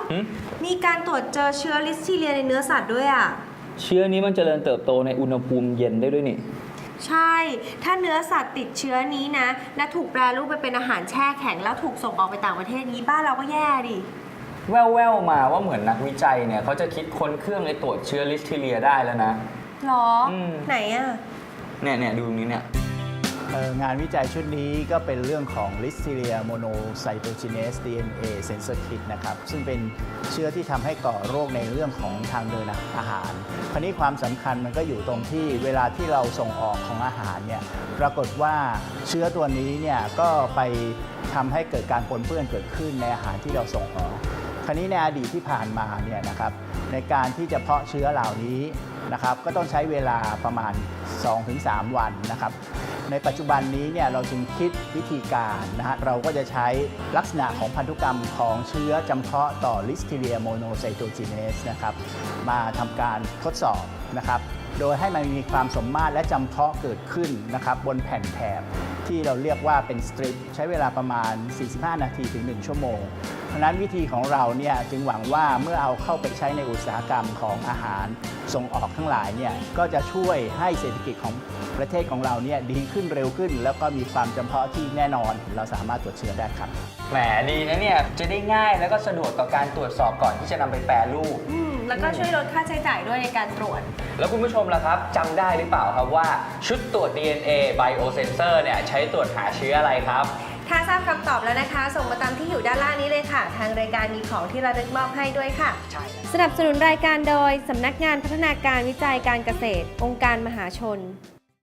มีการตรวจเจอเชื้อลิสทีเรียในเนื้อสัตว์ด้วยอ่ะเชื้อนี้มันเจริญเติบโตในอุณหภูมิเย็นได้ด้วยนี่ใช่ ถ้าเนื้อสัตว์ติดเชื้อนี้นะและถูกแปรรูปไปเป็นอาหารแช่แข็งแล้วถูกส่งออกไปต่างประเทศนี้บ้านเราก็แย่ดิแว่วๆมาว่าเหมือนนักวิจัยเนี่ยเขาจะคิดค้นเครื่องในตรวจเชื้อลิสทีเรียได้แล้วนะหรอไหนอ่ะเนี่ยดูตรงนี้เนี่ยงานวิจัยชุดนี้ก็เป็นเรื่องของ Listeria monocytogenes DNA sensor kit นะครับซึ่งเป็นเชื้อที่ทำให้ก่อโรคในเรื่องของทางเดินอาหารคราวนี้ความสำคัญมันก็อยู่ตรงที่เวลาที่เราส่งออกของอาหารเนี่ยปรากฏว่าเชื้อตัวนี้เนี่ยก็ไปทำให้เกิดการปนเปื้อนเกิดขึ้นในอาหารที่เราส่งออกคราวนี้ในอดีตที่ผ่านมาเนี่ยนะครับในการที่จะเพาะเชื้อเหล่านี้นะครับก็ต้องใช้เวลาประมาณ 2-3 วันนะครับในปัจจุบันนี้เนี่ยเราจึงคิดวิธีการนะฮะเราก็จะใช้ลักษณะของพันธุกรรมของเชื้อจำเพาะต่อ Listeria monocytogenes นะครับมาทำการทดสอบนะครับโดยให้มันมีความสมมาตรและจำเพาะเกิดขึ้นนะครับบนแผ่นแถบที่เราเรียกว่าเป็นสตริปใช้เวลาประมาณ 45 นาทีถึง 1 ชั่วโมงเพราะนั้นวิธีของเราเนี่ยจึงหวังว่าเมื่อเอาเข้าไปใช้ในอุตสาหกรรมของอาหารส่งออกทั้งหลายเนี่ยก็จะช่วยให้เศรษฐกิจของประเทศของเราเนี่ยดีขึ้นเร็วขึ้นแล้วก็มีความจำเพาะที่แน่นอนเราสามารถตรวจเชื้อได้ครับแหมดีนะเนี่ยจะได้ง่ายแล้วก็สะดวกต่อการตรวจสอบก่อนที่จะนำไปแปรรูปแล้วก็ช่วยลดค่าใช้จ่ายด้วยในการตรวจแล้วคุณผู้ชมล่ะครับจำได้หรือเปล่าครับว่าชุดตรวจ DNA Biosensor เนี่ยใช้ตรวจหาเชื้ออะไรครับถ้าทราบคำตอบแล้วนะคะส่งมาตามที่อยู่ด้านล่างนี้เลยค่ะทางรายการมีของที่ระลึกมอบให้ด้วยค่ะสนับสนุนรายการโดยสำนักงานพัฒนาการวิจัยการเกษตรองค์การมหาชน